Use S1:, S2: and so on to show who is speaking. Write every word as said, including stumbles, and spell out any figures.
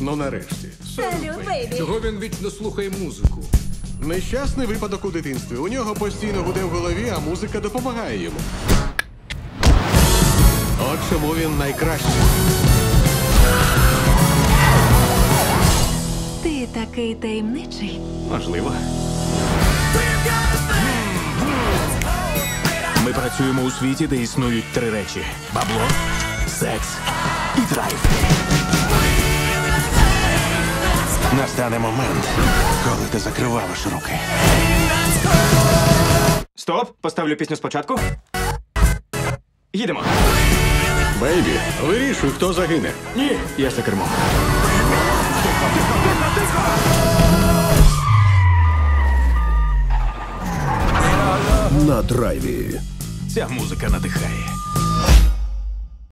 S1: Ну нарешті.
S2: Салют, бейбі.
S3: Чого він вічно слухає музику?
S1: Нещасний випадок у дитинстві. У нього постійно гуде в голові, а музика допомагає йому. От чому він найкращий.
S2: Ти такий таємничий.
S4: Можливо. Ми працюємо у світі, де існують три речі: бабло, секс і драйв. Настане момент, коли ти закриваєш руки. Стоп! Поставлю пісню спочатку. Їдемо.
S1: Бейбі, вирішуй, хто загине.
S4: Ні, я за кермом.
S5: На драйві.
S4: Ця музика надихає.